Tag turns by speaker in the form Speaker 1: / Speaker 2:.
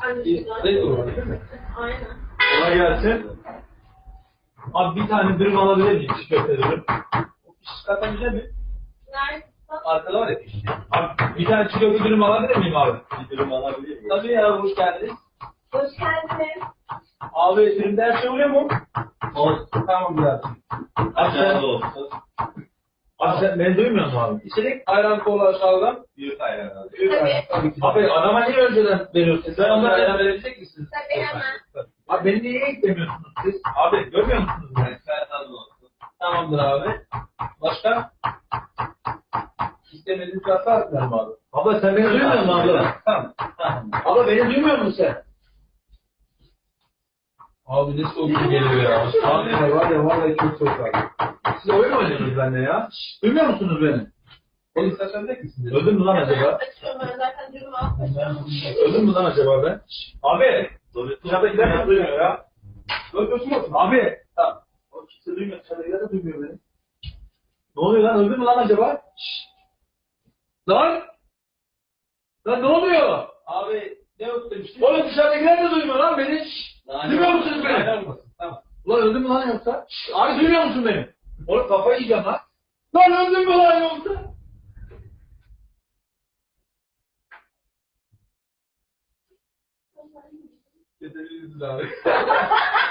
Speaker 1: Renk olur değil mi?
Speaker 2: Aynen.
Speaker 1: Kolay gelsin. Abi bir tane dürüm alabilir miyim? Çiğ köfte dürüm. O pişik katabilecek mi?
Speaker 2: Nerede?
Speaker 1: Arkada var ya pişik. Abi bir tane çiğ köfte dürüm alabilir miyim abi? Bir dürüm alabilir miyim? Tabii ya, hoş geldiniz.
Speaker 2: Hoş geldiniz.
Speaker 1: Abi dürümde her şey oluyor mu? Olsun. Tamam biraz. Abi sen olsun. Abi sen beni duymuyor musun abi? İçerik ayran kola aşağıdan. Büyük ayran abi. Büyük ayran. Tabii ki. Abi adama niye önceden veriyorsun? Sen onlara ayran verebilecek misiniz?
Speaker 2: Tabii hemen.
Speaker 1: Abi beni niye eklemiyorsunuz siz? Abi görmüyor musunuz beni? Ben tadım olsun. Tamamdır abi. Başka? İstemediğiniz hata atlarım abi. Abla sen beni duymuyor musun abla? Tamam. Tamam. Abla beni duymuyor musun sen? Abi ne soğuk bir geliyor ya. Abi var ya vallahi çok soğuk abi. Siz oyun mu oynuyorsunuz benimle ya? Şşş, duymuyor musunuz beni? Oğlum istersen de misiniz? Öldüm mü lan acaba?
Speaker 2: Açıyorum ben zaten dürümü açıyorum.
Speaker 1: Öldüm mü lan acaba ben? Şşş, abi! Dışarıdakiler de duymuyor ya. Öldürsün olsun. Abi! Tamam. O kimse duymuyor. Dışarıdakiler de duymuyor beni. Ne oluyor lan? Öldü mü lan acaba? Şşş! Lan! Lan ne oluyor? Abi ne yok demiştin? Oğlum dışarıdakiler de duymuyor lan beni. Şşş! Duymuyor musunuz beni? Tamam. Ulan öldün mü lan yoksa? Şşş! Abi duymuyor musun beni? Oğlum kafayı yiyeceğim lan. Lan öldün mü lan yoksa? Yeterliyiz abi.